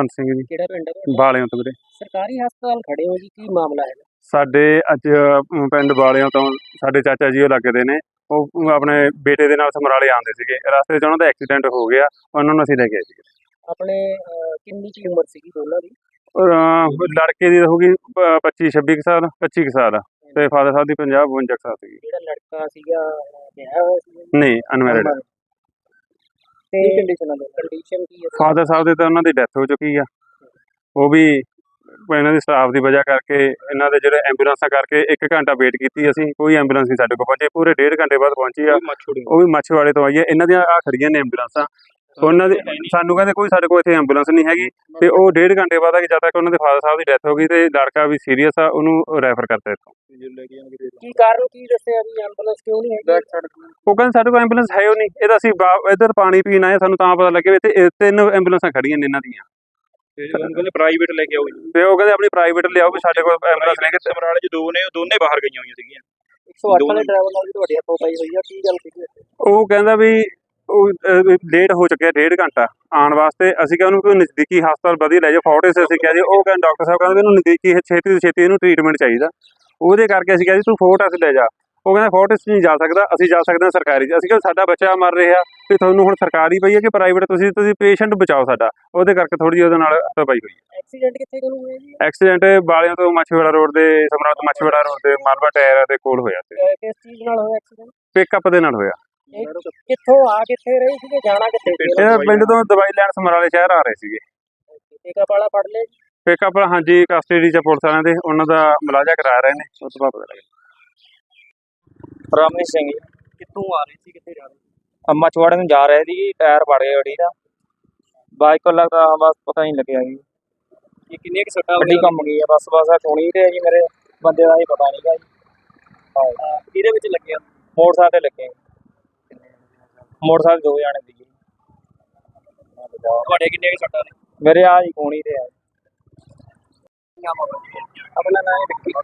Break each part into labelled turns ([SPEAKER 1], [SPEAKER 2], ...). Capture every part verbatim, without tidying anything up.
[SPEAKER 1] ਕੁਲਵੰਤ ਸਿੰਘ ਜੀ।
[SPEAKER 2] ਕਿਹੜਾ ਪਿੰਡ ਹੈ?
[SPEAKER 1] ਬਾਲਿਆਂ ਤੋਂ ਵੀਰੇ।
[SPEAKER 2] ਸਰਕਾਰੀ ਹਸਪਤਾਲ ਖੜੇ ਹੋ ਜੀ, ਕੀ ਮਾਮਲਾ ਹੈ?
[SPEAKER 1] ਸਾਡੇ ਅੱਜ ਅ, ਪਿੰਡ ਬਾਲਿਆਂ ਤੋਂ ਸਾਡੇ ਚਾਚਾ ਜੀ ਉਹ ਲੱਗਦੇ ਨੇ, ਉਹ ਆਪਣੇ ਬੇਟੇ ਦੇ ਨਾਲ ਸਮਰਾਲੇ ਆਉਂਦੇ ਸੀਗੇ, ਰਸਤੇ 'ਚ ਉਹਨਾਂ ਦਾ ਐਕਸੀਡੈਂਟ ਹੋ ਗਿਆ, ਉਹਨਾਂ ਨੂੰ ਅਸੀਂ ਲੈ ਕੇ ਆਏ ਸੀਗੇ।
[SPEAKER 2] ਆਪਣੇ ਅਹ, ਕਿੰਨੀ ਕੀ ਉਮਰ ਸੀਗੀ ਦੋਨਾਂ ਦੀ?
[SPEAKER 1] ਅਹ, ਲੜਕੇ ਦੀ ਹੋਊਗੀ ਪ- ਪੱਚੀ ਛੱਬੀ ਕੁ ਸਾਲ, ਪੱਚੀ ਕੁ ਸਾਲ, ਤੇ ਫਾਦਰ ਸਾਹਿਬ ਦੀ ਪੰਜਾਹ ਬਵੰਜਾ ਕੁ ਸਾਲ ਸੀਗੀ।
[SPEAKER 2] ਜਿਹੜਾ ਲੜਕਾ ਸੀਗਾ ਅਹ, ਵਿਆਹਿਆ ਹੋਇਆ ਸੀ?
[SPEAKER 1] ਨਹੀਂ, ਅਨਮੈਰਿਡ।
[SPEAKER 2] ਤੇ ਕੰਡੀਸ਼ਨ ਕੰਡੀਸ਼ਨ ਕੀ ਹੈ?
[SPEAKER 1] ਫਾਦਰ ਸਾਹਿਬ ਦੇ ਤਾਂ ਉਹਨਾਂ ਦੀ ਡੈਥ ਹੋ ਚੁੱਕੀ ਆ, ਉਹ ਵੀ ਇਹਨਾਂ ਦੀ ਸਟਾਫ ਦੀ ਵਜ੍ਹਾ ਕਰਕੇ, ਇਹਨਾਂ ਦੇ ਜਿਹੜੇ ਐਂਬੂਲੈਂਸਾਂ ਕਰਕੇ ਇੱਕ ਘੰਟਾ ਵੇਟ ਕੀਤੀ ਅਸੀਂ, ਕੋਈ ਐਂਬੂਲੈਂਸ ਨਹੀਂ ਸਾਡੇ ਕੋਲ ਪਹੁੰਚੀ, ਪੂਰੇ ਡੇਢ ਘੰਟੇ ਬਾਅਦ ਪਹੁੰਚੀ ਆ, ਉਹ ਵੀ ਮੱਛਵਾੜੇ ਤੋਂ ਆਈ ਹੈ। ਇਹਨਾਂ ਦੀਆਂ ਆ ਖੜੀਆਂ ਨੇ ਐਂਬੂਲੈਂਸਾਂ, ਉਹਨਾਂ ਦੇ ਸਾਨੂੰ ਕਹਿੰਦੇ ਕੋਈ ਸਾਡੇ ਕੋਲ ਇੱਥੇ ਐਂਬੂਲੈਂਸ ਨਹੀਂ ਹੈਗੀ, ਤੇ ਉਹ ਡੇਢ ਘੰਟੇ ਬਾਅਦ ਆ ਕਿ ਜਦ ਤੱਕ ਉਹਨਾਂ ਦੇ ਫਾਦਰ ਸਾਹਿਬ ਦੀ ਡੈਥ ਹੋ ਗਈ ਤੇ ਲੜਕਾ ਵੀ ਸੀਰੀਅਸ ਆ, ਉਹਨੂੰ ਰੈਫਰ ਕਰਤਾ ਇੱਥੋਂ।
[SPEAKER 2] ਕੀ ਕਾਰਨ ਕੀ ਦੱਸਿਆ ਵੀ ਐਂਬੂਲੈਂਸ ਕਿਉਂ ਨਹੀਂ ਹੈਗੀ?
[SPEAKER 1] ਉਹ ਕਹਿੰਦੇ ਸਾਡੇ ਕੋਲ ਐਂਬੂਲੈਂਸ ਹੈ ਉਹ ਨਹੀਂ, ਇਹਦਾ ਅਸੀਂ ਇੱਧਰ ਪਾਣੀ ਪੀਣ ਆਏ, ਸਾਨੂੰ ਤਾਂ ਪਤਾ ਲੱਗਿਆ ਵੀ ਇੱਥੇ ਤਿੰਨ ਐਂਬੂਲੈਂਸਾਂ ਖੜੀਆਂ ਨੇ ਇਹਨਾਂ ਦੀਆਂ,
[SPEAKER 3] ਕਹਿੰਦੇ ਪ੍ਰਾਈਵੇਟ ਲੈ ਕੇ ਆਓ ਜੀ,
[SPEAKER 1] ਤੇ ਉਹ ਕਹਿੰਦੇ ਆਪਣੀ ਪ੍ਰਾਈਵੇਟ ਲਿਆਓ ਵੀ ਸਾਡੇ ਕੋਲ ਐਂਬੂਲੈਂਸ ਲੈ ਕੇ।
[SPEAKER 3] ਸਮਰਾਲੇ ਚ ਦੋ ਨੇ, ਉਹ ਦੋਨੇ ਬਾਹਰ ਗਈਆਂ ਹੋਈਆਂ ਸੀਗੀਆਂ।
[SPEAKER 2] ਇੱਕ ਸੌ ਅੱਠ ਵਾਲੇ ਡਰਾਈਵਰ ਨਾਲ ਵੀ ਤੁਹਾਡੀ ਹੱਥੋਂ ਪਾਈ ਹੋਈ ਆ, ਕੀ ਗੱਲ ਸੀ?
[SPEAKER 1] ਉਹ ਕਹਿੰਦਾ ਵੀ ਉਹ ਲੇਟ ਹੋ ਚੁੱਕਿਆ ਡੇਢ ਘੰਟਾ ਆਉਣ ਵਾਸਤੇ, ਅਸੀਂ ਕਿਹਾ ਉਹਨੂੰ ਕੋਈ ਨਜ਼ਦੀਕੀ ਹਸਪਤਾਲ ਵਧੀਆ ਲੈ ਜਾਓ, ਫੋਰਟਿਸ ਅਸੀਂ ਕਿਹਾ ਜੀ, ਉਹ ਕਹਿੰਦੇ ਡਾਕਟਰ ਸਾਹਿਬ ਕਹਿੰਦੇ ਮੈਨੂੰ ਨਜ਼ਦੀਕੀ ਛੇਤੀ ਤੋਂ ਛੇਤੀ ਇਹਨੂੰ ਟ੍ਰੀਟਮੈਂਟ ਚਾਹੀਦਾ, ਉਹਦੇ ਕਰਕੇ ਅਸੀਂ ਕਿਹਾ ਜੀ ਤੂੰ ਫੋਰਟਿਸ ਲੈ ਜਾ। ਉਹ ਕਹਿੰਦਾ ਫੋਰਟਿਸ ਨਹੀਂ ਜਾ ਸਕਦਾ, ਅਸੀਂ ਜਾ ਸਕਦੇ ਹਾਂ ਸਰਕਾਰੀ 'ਚ। ਅਸੀਂ ਕਿਹਾ ਸਾਡਾ ਬੱਚਾ ਮਰ ਰਿਹਾ ਵੀ ਤੁਹਾਨੂੰ ਹੁਣ ਸਰਕਾਰੀ ਪਈ ਹੈ ਕਿ ਪ੍ਰਾਈਵੇਟ, ਤੁਸੀਂ ਤੁਸੀਂ ਪੇਸ਼ੈਂਟ ਬਚਾਓ ਸਾਡਾ, ਉਹਦੇ ਕਰਕੇ ਥੋੜੀ ਜਿਹੀ ਉਹਦੇ ਨਾਲ ਹੱਥੋਂ ਪਾਈ ਹੋਈ ਹੈ।
[SPEAKER 2] ਐਕਸੀਡੈਂਟ ਕਿੱਥੇ ਕੋਲ ਹੋਇਆ ਜੀ?
[SPEAKER 1] ਐਕਸੀਡੈਂਟ ਬਾਲਿਆਂ ਤੋਂ ਮੱਛਵਾੜਾ ਰੋਡ ਦੇ, ਸਮਰਾਲਾ ਤੋਂ ਮੱਛਵਾੜਾ ਰੋਡ ਦੇ ਮਾਲਵਾ ਟਾਇਰ ਦੇ ਕੋਲ ਹੋਇਆ ਸੀ।
[SPEAKER 2] ਅਹ, ਕਿਸ ਚੀਜ਼ ਨਾਲ ਹੋਇਆ ਐਕਸੀਡੈਂਟ?
[SPEAKER 1] ਪਿਕਅਪ ਦੇ ਨਾਲ ਹੋਇਆ।
[SPEAKER 2] ਕਿੱਥੋਂ ਆ ਕਿੱਥੇ ਰਹੇ ਸੀਗੇ, ਜਾਣਾ ਕਿੱਥੇ ਸੀ?
[SPEAKER 1] ਇਹ ਪਿੰਡ ਤੋਂ ਦਵਾਈ ਲੈਣ ਸਮਰਾਲੇ ਸ਼ਹਿਰ ਆ ਰਹੇ ਸੀਗੇ।
[SPEAKER 2] ਪਿਕਅਪ ਵਾਲਾ ਫੜ ਲਿਆ ਜੀ?
[SPEAKER 1] ਪਿਕਅਪ ਹਾਂਜੀ ਕਸਟਡੀ 'ਚ ਪੁਲਿਸ ਵਾਲਿਆਂ ਦੇ, ਉਹਨਾਂ ਦਾ ਮੁਲਾਜ਼ਾ ਕਰਾ ਰਹੇ ਨੇ, ਉਸ ਤੋਂ ਬਾਅਦ ਪਤਾ ਲੱਗਿਆ।
[SPEAKER 3] ਰਾਮਨੀ ਸਿੰਘ ਜੀ,
[SPEAKER 2] ਕਿੱਥੋਂ ਆ ਰਹੇ ਸੀ, ਕਿੱਥੇ ਜਾ ਰਹੇ ਸੀ?
[SPEAKER 3] ਅੰਮਾ ਚਵਾੜੇ ਨੂੰ ਜਾ ਰਹੇ ਸੀ, ਟਾਇਰ ਪੜ ਗਿਆ ਗੱਡੀ ਦਾ, ਬਾਈਕ ਕੋਲ ਲੱਗਦਾ ਬਸ ਪਤਾ ਨਹੀਂ ਲੱਗਿਆ ਜੀ,
[SPEAKER 2] ਇਹ ਕਿੰਨੇ ਕਿ ਸੱਟਾਂ
[SPEAKER 3] ਗੱਡੀ ਘੁੰਮ ਗਈ ਆ ਬਸ ਬਸ ਸੁਣੀ ਤੇ ਜੀ, ਮੇਰੇ ਬੰਦੇ ਦਾ ਹੀ ਪਤਾ ਨਹੀਂਗਾ ਜੀ।
[SPEAKER 2] ਇਹਦੇ ਵਿੱਚ ਲੱਗਿਆ?
[SPEAKER 3] ਮੋਟਰਸਾਈਕਲ ਤੇ ਲੱਗੇ, ਮੋਟਰਸਾਈਕਲ ਦੋ ਜਾਣੇ ਦੀ ਜੀ।
[SPEAKER 2] ਤੁਹਾਡੇ ਕਿੰਨੇ ਕਿ ਸੱਟਾਂ ਨੇ?
[SPEAKER 3] ਮੇਰੇ ਆ ਜੀ ਕੋਣੀ ਤੇ ਆ।
[SPEAKER 2] ਆਪਣਾ ਨਾਮ ਵਿੱਕੀ।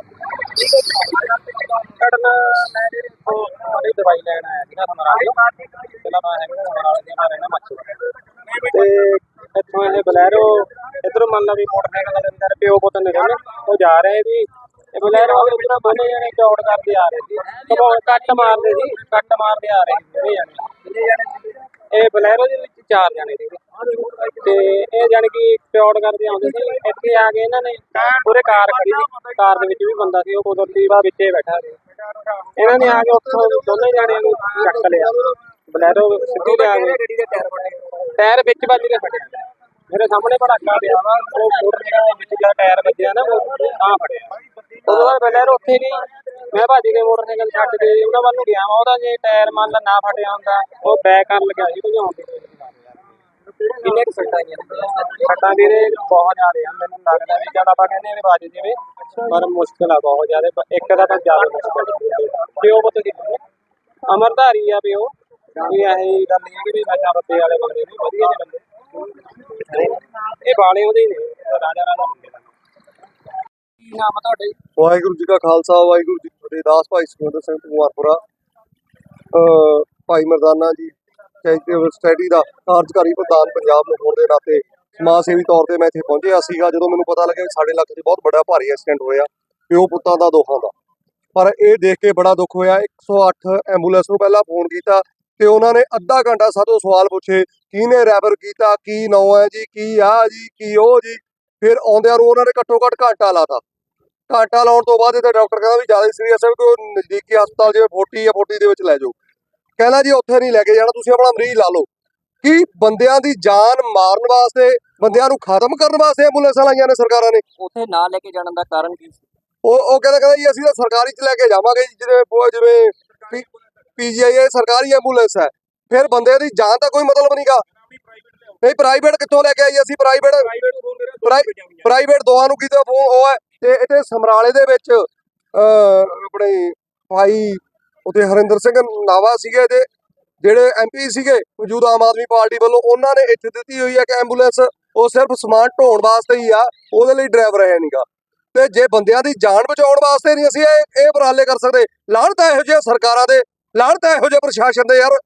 [SPEAKER 3] ਕੱਢਣਾ ਮੈਂ ਜਿਹੜੀ ਦਵਾਈ ਲੈਣ ਆਇਆ ਸੀਗਾ ਸਮਰਾਲੇ, ਪਹਿਲਾਂ ਮੈਂ ਹੈਗਾ ਸਮਰਾਲੇ ਦੇ, ਮੈਂ ਰਹਿਣਾ ਮੱਛੀ ਤੇ ਇੱਥੋਂ ਇਹ ਬਲੈਰੋ ਇੱਧਰੋਂ ਮੰਨ ਲਾ ਵੀ ਮੋਟਰਸਾਈਕਲ ਦੇ ਅੰਦਰ ਪਿਓ ਪੁੱਤ ਨੇ ਦੋਨੇ, ਉਹ ਜਾ ਰਹੇ ਸੀ, ਇਹ ਬਲੈਰੋ ਇੱਧਰੋਂ ਦੋਨੇ ਜਣੇ ਚੌੜ ਕਰਦੇ ਆ ਰਹੇ ਸੀ, ਕਬੋ ਕੱਟ ਮਾਰਦੇ ਸੀ, ਕੱਟ ਮਾਰਦੇ ਆ ਰਹੇ ਸੀ ਦੋਨੇ ਜਣੇ। ਇਹ ਬਲੈਰੋ ਦੇ ਵਿੱਚ ਚਾਰ ਜਣੇ ਸੀਗੇ, ਤੇ ਇਹ ਜਾਣੀ ਕਿ ਚੌੜ ਕਰਦੇ ਆਉਂਦੇ ਸੀ, ਇੱਥੇ ਆ ਕੇ ਇਹਨਾਂ ਨੇ ਪੂਰੇ ਕਾਰ ਖੜੀ ਸੀ, ਕਾਰ ਦੇ ਵਿੱਚ ਵੀ ਬੰਦਾ ਸੀ, ਉਹ ਕੁਦਰਤੀ ਵਾ ਵਿੱਚੇ ਬੈਠਾ ਸੀ, ਇਹਨਾਂ ਨੇ ਆ ਕੇ ਉੱਥੋਂ ਦੋਨੇ ਜਾਣਿਆਂ ਨੂੰ ਚੱਕ ਲਿਆ, ਬਲੈਰੋ ਸਿੱਧੀ ਲਿਆ ਕੇ ਟਾਇਰ ਵਿੱਚ ਵੱਜ ਕੇ ਫਟਿਆ, ਮੇਰੇ ਸਾਹਮਣੇ ਭੜਾਕਾ ਪਿਆ ਵਾ, ਉਹ ਮੋਟਰਸਾਈਕਲ ਦੇ ਵਿੱਚ ਜਿਹੜਾ ਟਾਇਰ ਵੱਜਿਆ ਨਾ ਉਹ ਤਾਂ ਫਟਿਆ। ਉਦੋਂ ਬਾਅਦ ਬਲੈਰੋ ਉੱਥੇ ਗਈ, ਮੈਂ ਭਾਜੀ ਦੇ ਮੋਟਰਸਾਈਕਲ ਛੱਡ ਕੇ ਉਹਨਾਂ ਵੱਲ ਨੂੰ ਗਿਆ ਵਾ, ਉਹਦਾ ਜੇ ਟਾਇਰ ਮੰਨ ਲਾ ਨਾ ਫਟਿਆ ਹੁੰਦਾ ਉਹ ਬੈਕ ਕਰਨ ਲੱਗਿਆ ਸੀ ਭਜਾਉਣ ਦੀ ਕੋਸ਼ਿਸ਼ ਕਰ ਰਿਹਾ।
[SPEAKER 2] ਕਿੰਨੇ ਕਿ ਸੱਟਾਂ ਆਈਆਂ?
[SPEAKER 3] ਸੱਟਾਂ ਵੀਰੇ ਬਹੁਤ ਜ਼ਿਆਦਾ ਆ, ਮੈਨੂੰ ਲੱਗਦਾ ਵੀ ਜਦ ਆਪਾਂ ਕਹਿੰਦੇ ਵੀ ਵੱਜ ਜਾਵੇ, ਪਰ ਮੁਸ਼ਕਿਲ ਆ ਬਹੁਤ ਜ਼ਿਆਦਾ, ਇੱਕ ਦਾ ਤਾਂ ਜ਼ਿਆਦਾ ਮੁਸ਼ਕਿਲ। ਪਿਓ ਪੁੱਤ ਦੀ ਅਮਰਧਾਰੀ ਆ ਪਿਓ, ਕੋਈ ਇਹੀ ਗੱਲ ਨਹੀਂ ਹੈ ਕਿ ਨਸ਼ਾ ਪੱਤੇ ਵਾਲੇ ਬੰਦੇ ਨੇ, ਵਧੀਆ ਨੇ ਬੰਦੇ, ਇਹ ਬਾਲੇ ਉਹਦੇ ਹੀ ਨੇ, ਰਾਜਾ ਰਾਜਾ ਬੰਦੇ ਦਾ।
[SPEAKER 2] ਕੀ ਨਾਮ ਆ ਤੁਹਾਡੇ?
[SPEAKER 4] ਵਾਹਿਗੁਰੂ ਜੀ ਕਾ ਖਾਲਸਾ, ਵਾਹਿਗੁਰੂ ਜੀ ਕੀ ਫਤਿਹ। ਦਾਸ ਭਾਈ ਸੁਖਵਿੰਦਰ ਸਿੰਘ ਕੁਮਾਰਪੁਰਾ, ਭਾਈ ਮਰਦਾਨਾ ਜੀ ਚੈਰੀਟੇਬਲ ਸੋਸਾਇਟੀ ਦਾ ਕਾਰਜਕਾਰੀ ਪ੍ਰਧਾਨ ਪੰਜਾਬ ਨੂੰ ਹੋਣ ਦੇ ਨਾਤੇ ਸਮਾਜ ਸੇਵੀ ਤੌਰ ਤੇ ਮੈਂ ਇੱਥੇ ਪਹੁੰਚਿਆ ਸੀਗਾ। ਜਦੋਂ ਮੈਨੂੰ ਪਤਾ ਲੱਗਿਆ ਕਿ ਸਾਡੇ ਇਲਾਕੇ 'ਚ ਬਹੁਤ ਵੱਡਾ ਭਾਰੀ ਐਕਸੀਡੈਂਟ ਹੋਇਆ ਪਿਓ ਪੁੱਤਾਂ ਦਾ ਦੋਹਾਂ ਦਾ, ਪਰ ਇਹ ਦੇਖ ਕੇ ਬੜਾ ਦੁੱਖ ਹੋਇਆ। ਇੱਕ ਸੌ ਅੱਠ ਐਂਬੂਲੈਂਸ ਨੂੰ ਪਹਿਲਾਂ ਫੋਨ ਕੀਤਾ ਤੇ ਉਹਨਾਂ ਨੇ ਅੱਧਾ ਘੰਟਾ ਸਾਤੋਂ ਸਵਾਲ ਪੁੱਛੇ, ਕਿਹਨੇ ਰੈਫਰ ਕੀਤਾ, ਕੀ ਨਾਂ ਹੈ ਜੀ, ਕੀ ਆ ਜੀ, ਕੀ ਉਹ ਜੀ। ਫਿਰ ਆਉਂਦਿਆਂ ਨੂੰ ਉਹਨਾਂ ਨੇ ਘੱਟੋ ਘੱਟ ਘੰਟਾ ਲਾਤਾ। ਘੰਟਾ ਲਾਉਣ ਤੋਂ ਬਾਅਦ ਇਹਦਾ ਡਾਕਟਰ ਕਹਿੰਦਾ ਵੀ ਜ਼ਿਆਦਾ ਸੀਰੀਅਸ ਹੈ, ਕੋਈ ਨਜ਼ਦੀਕੀ ਹਸਪਤਾਲ ਜਿਵੇਂ ਫੋਰਟੀ ਜਾਂ ਫੋਰਟੀ ਦੇ ਵਿੱਚ ਲੈ ਜਾਓ। ਕਹਿੰਦਾ ਜੀ ਉੱਥੇ ਨਹੀਂ ਲੈ ਕੇ ਜਾਣਾ, ਤੁਸੀਂ ਆਪਣਾ ਮਰੀਜ਼ ਲਾ ਲਓ। ਕਿ ਬੰਦਿਆਂ ਦੀ ਜਾਨ ਮਾਰਨ ਵਾਸਤੇ, ਬੰਦਿਆਂ ਨੂੰ ਖਤਮ ਕਰਨ ਵਾਸਤੇ ਐਂਬੂਲੈਂਸਾਂ ਲਾਈਆਂ ਨੇ ਸਰਕਾਰਾਂ ਨੇ।
[SPEAKER 2] ਉੱਥੇ ਨਾ ਲੈ ਕੇ ਜਾਣ ਦਾ ਕਾਰਨ ਕੀ ਸੀ?
[SPEAKER 4] ਉਹ ਉਹ ਕਹਿੰਦਾ ਕਹਿੰਦਾ ਜੀ ਅਸੀਂ ਤਾਂ ਸਰਕਾਰੀ 'ਚ ਲੈ ਕੇ ਜਾਵਾਂਗੇ ਜੀ, ਜਿਵੇਂ ਜਿਵੇਂ ਪੀਜੀਆਈ ਸਰਕਾਰੀ ਐਂਬੂਲੈਂਸ ਹੈ। ਫਿਰ ਬੰਦੇ ਦੀ ਜਾਨ ਦਾ ਕੋਈ ਮਤਲਬ ਨਹੀਂਗਾ। ਨਹੀਂ ਪ੍ਰਾਈਵੇਟ ਕਿੱਥੋਂ ਲੈ ਕੇ ਆਈ ਅਸੀਂ? ਪ੍ਰਾਈਵੇਟ ਪ੍ਰਾਈਵੇਟ ਦੋਵਾਂ ਨੂੰ ਕਿਤੇ ਫੋਨ ਉਹ ਹੈ। ਤੇ ਇੱਥੇ ਸਮਰਾਲੇ ਦੇ ਵਿੱਚ ਆਪਣੇ ਭਾਈ ਉੱਥੇ ਹਰਿੰਦਰ ਸਿੰਘ ਨਾਵਾ ਸੀਗੇ, ਤੇ ਜਿਹੜੇ ਐਮ ਪੀ ਸੀਗੇ ਮੌਜੂਦਾ ਆਮ ਆਦਮੀ ਪਾਰਟੀ ਵੱਲੋਂ, ਉਹਨਾਂ ਨੇ ਇੱਥੇ ਦਿੱਤੀ ਹੋਈ ਹੈ ਕਿ ਐਂਬੂਲੈਂਸ ਉਹ ਸਿਰਫ ਸਮਾਨ ਢੋਣ ਵਾਸਤੇ ਹੀ ਆ, ਉਹਦੇ ਲਈ ਡਰਾਈਵਰ ਹੈ ਨਹੀਂਗਾ। ਤੇ ਜੇ ਬੰਦਿਆਂ ਦੀ ਜਾਨ ਬਚਾਉਣ ਵਾਸਤੇ ਨਹੀਂ ਅਸੀਂ ਇਹ ਇਹ ਉਪਰਾਲੇ ਕਰ ਸਕਦੇ। ਲਾਹਨਤ ਹੈ ਇਹੋ ਜਿਹੇ ਸਰਕਾਰਾਂ ਦੇ, ਲਾਹਨਤ ਹੈ ਇਹੋ ਜਿਹੇ ਪ੍ਰਸ਼ਾਸਨ ਦੇ। ਯਾਰ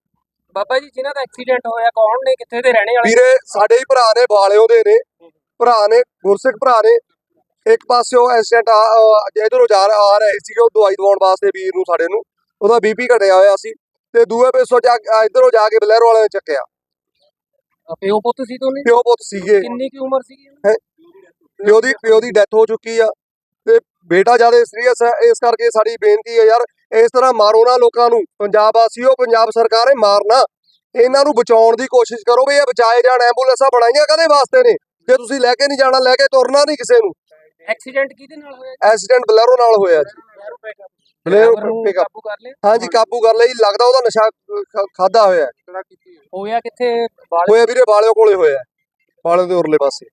[SPEAKER 2] ਬਾਬਾ ਜੀ ਜਿਨ੍ਹਾਂ ਦਾ ਐਕਸੀਡੈਂਟ ਹੋਇਆ ਕੌਣ ਨੇ, ਕਿੱਥੇ ਦੇ ਰਹਿਣੇ ਵਾਲੇ?
[SPEAKER 4] ਵੀਰੇ ਸਾਡੇ ਹੀ ਭਰਾ ਨੇ, ਬਾਲਿਓ ਦੇ ਨੇ ਭਰਾ ਨੇ, ਗੁਰਸਿੱਖ ਭਰਾ ਨੇ। ਇੱਕ ਪਾਸਿਓ ਐਕਸੀਡੈਂਟ ਆ ਇਧਰੋਂ ਜਾ ਆ ਰਹੇ ਸੀਗੇ ਉਹ ਦਵਾਈ ਦਵਾਉਣ ਵਾਸਤੇ ਵੀਰ ਨੂੰ, ਸਾਡੇ ਨੂੰ ਉਹਦਾ ਬੀਪੀ ਘਟਿਆ ਹੋਇਆ ਸੀ ਤੇ ਦੂਏ ਪਾਸੋਂ ਜਾ ਇਧਰੋਂ ਜਾ ਕੇ ਬਲੈਰੋ ਵਾਲਿਆਂ ਨੇ ਚੱਕਿਆ।
[SPEAKER 2] ਪਿਓ ਪੁੱਤ ਸੀ ਦੋਨੇ?
[SPEAKER 4] ਪਿਓ ਪੁੱਤ ਸੀਗੇ।
[SPEAKER 2] ਕਿੰਨੀ ਕੀ ਉਮਰ ਸੀਗੀ?
[SPEAKER 4] ਪਿਓ ਦੀ ਪਿਓ ਦੀ ਡੈਥ ਹੋ ਚੁੱਕੀ ਆ ਤੇ ਬੇਟਾ ਜਿਆਦਾ ਸੀਰੀਅਸ ਹੈ। ਇਸ ਕਰਕੇ ਸਾਡੀ ਬੇਨਤੀ ਹੈ ਯਾਰ, ਇਸ ਤਰ੍ਹਾਂ ਮਾਰੋ ਨਾ ਲੋਕਾਂ ਨੂੰ। ਪੰਜਾਬ ਵਾਸੀਓ, ਪੰਜਾਬ ਸਰਕਾਰ ਹੈ ਮਾਰਨਾ, ਇਹਨਾਂ ਨੂੰ ਬਚਾਉਣ ਦੀ ਕੋਸ਼ਿਸ਼ ਕਰੋ ਵੀ ਇਹ ਬਚਾਏ ਜਾਣ। ਐਂਬੂਲੈਂਸਾਂ ਬਣਾਈਆਂ ਕਦੇ ਵਾਸਤੇ ਨੇ? ਜੇ ਤੁਸੀਂ ਲੈ ਕੇ ਨਹੀਂ ਜਾਣਾ, ਲੈ ਕੇ ਤੁਰਨਾ ਨਹੀਂ ਕਿਸੇ ਨੂੰ।
[SPEAKER 2] ਐਕਸੀਡੈਂਟ ਕਿਹਦੇ ਨਾਲ ਹੋਇਆ?
[SPEAKER 4] ਐਕਸੀਡੈਂਟ ਬਲੈਰੋ ਨਾਲ ਹੋਇਆ ਜੀ। ਬਲੈਰੋ
[SPEAKER 2] ਨੂੰ
[SPEAKER 4] ਪਿਕਅਪ,
[SPEAKER 2] ਕਾਬੂ ਕਰ ਲਿਆ?
[SPEAKER 4] ਹਾਂਜੀ ਕਾਬੂ ਕਰ ਲਈ। ਲੱਗਦਾ ਉਹਦਾ ਨਸ਼ਾ ਖਾਦਾ ਹੋਇਆ ਹੈ।
[SPEAKER 2] ਹੋਇਆ ਕਿੱਥੇ? ਬਾਲ
[SPEAKER 4] ਹੋਇਆ ਵੀਰੇ ਬਾਲਿਓ ਕੋਲੇ ਹੋਇਆ, ਬਾਲਿਓ ਦੇ ਉਰਲੇ ਪਾਸੇ।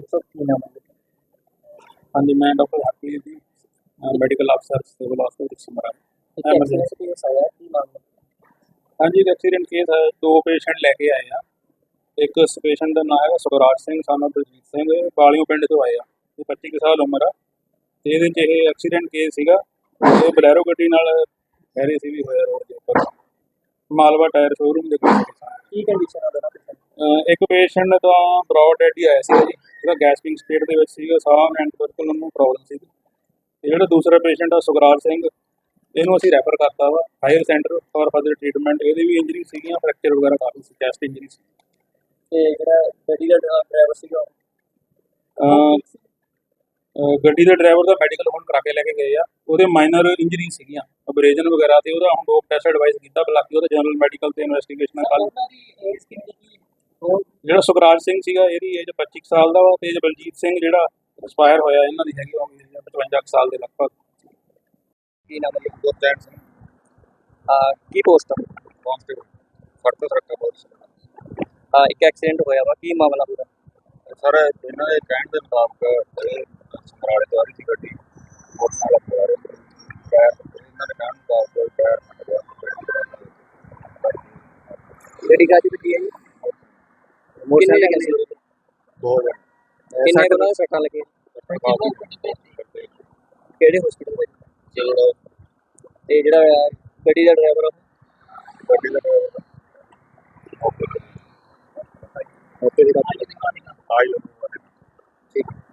[SPEAKER 3] ਹਾਂਜੀ, ਮੈਂ ਡਾਕਟਰ ਹਰਪ੍ਰੀਤ ਜੀ, ਮੈਡੀਕਲ ਅਫਸਰ ਸਿਵਲ ਹਸਪਤਾਲ ਸਮਰਾਲਾ। ਐਮਰਜੈਂਸੀ ਕੇਸ ਆਇਆ, ਕੀ ਮਾਮਲਾ? ਹਾਂਜੀ, ਇੱਕ ਐਕਸੀਡੈਂਟ ਕੇਸ ਹੈ। ਦੋ ਪੇਸ਼ੈਂਟ ਲੈ ਕੇ ਆਏ ਆ। ਇੱਕ ਪੇਸ਼ੈਂਟ ਦਾ ਨਾਮ ਹੈਗਾ ਸੁਖਰਾਜ ਸਿੰਘ ਸਾਨੂੰ ਬਲਜੀਤ ਸਿੰਘ, ਬਾਲਿਓ ਪਿੰਡ ਤੋਂ ਆਏ ਆ। ਇਹ ਪੱਚੀ ਕੁ ਸਾਲ ਉਮਰ ਆ ਤੇ ਇਹਦੇ 'ਚ ਇਹ ਐਕਸੀਡੈਂਟ ਕੇਸ ਸੀਗਾ। ਇਹ ਬਲੈਰੋ ਗੱਡੀ ਨਾਲ ਕਹਿ ਰਹੇ ਸੀ ਵੀ ਹੋਇਆ ਰੋਡ ਦੇ ਉੱਪਰ, ਮਾਲਵਾ ਟਾਇਰ ਸ਼ੋਰੂਮ ਦੇ ਕੋਲ।
[SPEAKER 2] ਕੀ ਕੰਡੀਸ਼ਨ ਆ?
[SPEAKER 3] ਅਹ ਇੱਕ ਪੇਸ਼ੈਂਟ ਤਾਂ ਬਰੌਡ ਡੈਡ ਹੀ ਆਇਆ ਸੀ ਜੀ, ਉਹਦਾ ਗੈਸਪਿੰਗ ਸਟੇਟ ਦੇ ਵਿੱਚ ਸੀਗਾ, ਸਾਹ ਐਂਡ ਬਿਲਕੁਲ ਉਹਨੂੰ ਪ੍ਰੋਬਲਮ ਸੀ। ਤੇ ਜਿਹੜਾ ਦੂਸਰਾ ਪੇਸ਼ੈਂਟ ਆ ਸੁਖਰਾਜ ਸਿੰਘ, ਇਹਨੂੰ ਅਸੀਂ ਰੈਫਰ ਕਰਤਾ ਵਾ higher centre for further treatment. ਇਹਦੀ ਵੀ ਇੰਜਰੀ ਸੀਗੀਆਂ, ਫ੍ਰੈਕਚਰ ਵਗੈਰਾ ਕਾਫੀ ਸੀ, ਚੈਸਟ ਇੰਜਰੀ ਸੀ।
[SPEAKER 2] ਤੇ ਜਿਹੜਾ ਗੱਡੀ ਦਾ ਡਰਾਈਵਰ ਸੀਗਾ,
[SPEAKER 3] ਅਹ ਅਹ ਗੱਡੀ ਦੇ ਡਰਾਈਵਰ ਦਾ ਮੈਡੀਕਲ ਹੁਣ ਕਰਾ ਕੇ ਲੈ ਕੇ ਗਏ ਆ। ਉਹਦੇ ਮਾਈਨਰ ਇੰਜਰੀ ਸੀਗੀਆਂ, ਅਬਰੇਜਨ ਵਗੈਰਾ, ਤੇ ਉਹਦਾ ਹੁਣ ਡੋਪ ਟੈਸਟ ਐਡਵਾਈਸ ਕੀਤਾ। ਬਾਕੀ ਉਹਦਾ ਜਨਰਲ ਮੈਡੀਕਲ ਤੇ ਇਨਵੈਸਟੀਗੇਸ਼ਨ ਕੱਲ।
[SPEAKER 2] ਉਹਨਾਂ ਦੀ ਏਜ ਕਿੰਨੀ ਕੀ? ਉਹ
[SPEAKER 3] ਜਿਹੜਾ ਸੁਖਰਾਜ ਸਿੰਘ ਸੀਗਾ ਇਹਦੀ ਏਜ ਪੱਚੀ ਕੁ ਸਾਲ ਦਾ ਵਾ, ਤੇ ਬਲਜੀਤ ਸਿੰਘ ਜਿਹੜਾ ਐਕਸਪਾਇਰ ਹੋਇਆ ਇਹਨਾਂ ਦੀ ਹੈਗੀ ਉਹ ਪਚਵੰਜਾ ਕੁ ਸਾਲ ਦੇ ਲਗਭਗ।
[SPEAKER 2] ਕੀ ਨਾਮ ਹੈ?
[SPEAKER 3] ਗੁਰਚੈਨ ਸਿੰਘ,
[SPEAKER 2] ਆ ਕੀ ਪੋਸਟ ਆ?
[SPEAKER 3] ਕਾਂਸਟੇਬਲ, ਫੜਤਾ ਸਰਕਾ ਪੁਲਿਸ।
[SPEAKER 2] ਆ ਇੱਕ ਐਕਸੀਡੈਂਟ ਹੋਇਆ ਵਾ, ਕੀ ਮਾਮਲਾ ਪੂਰਾ?
[SPEAKER 3] ਸਰ ਇਹਨਾਂ ਦੇ ਕਹਿਣ ਦੇ ਮੁਤਾਬਕ ਇਹ ਸਮਰਾਲੇ ਤੋਂ ਆ ਰਹੀ ਸੀ ਗੱਡੀ, ਮੋਟਰਸਾਈਕਲ ਚਲਾ ਰਹੇ ਸੀ। ਟਾਇਰ ਇਹਨਾਂ ਦੇ ਕਹਿਣ ਮੁਤਾਬਕ ਟਾਇਰ ਫਟ ਗਿਆ।
[SPEAKER 2] ਗੱਡੀ ਕਾਹਦੀ ਵੱਜੀ ਹੈ ਜੀ? ਕਿੰਨੇ ਜਣੇ ਸੀ?
[SPEAKER 3] ਦੋ ਜਣੇ।
[SPEAKER 2] ਕਿੰਨੇ ਕੁ ਉਹਨਾਂ ਦੇ ਸੱਟਾਂ ਲੱਗੀਆਂ? ਕਿਹੜੇ ਹਸਪੀਟਲ ਵਿੱਚ?
[SPEAKER 3] ਜਿਹੜਾ
[SPEAKER 2] ਤੇ ਜਿਹੜਾ ਗੱਡੀ ਦਾ ਡਰਾਈਵਰ
[SPEAKER 3] ਗੱਡੀ ਦਾ ਡਰਾਈਵਰ ਓਕੇ ਓਕੇ ਜਿਹੜਾ ਆਈ
[SPEAKER 2] ਠੀਕ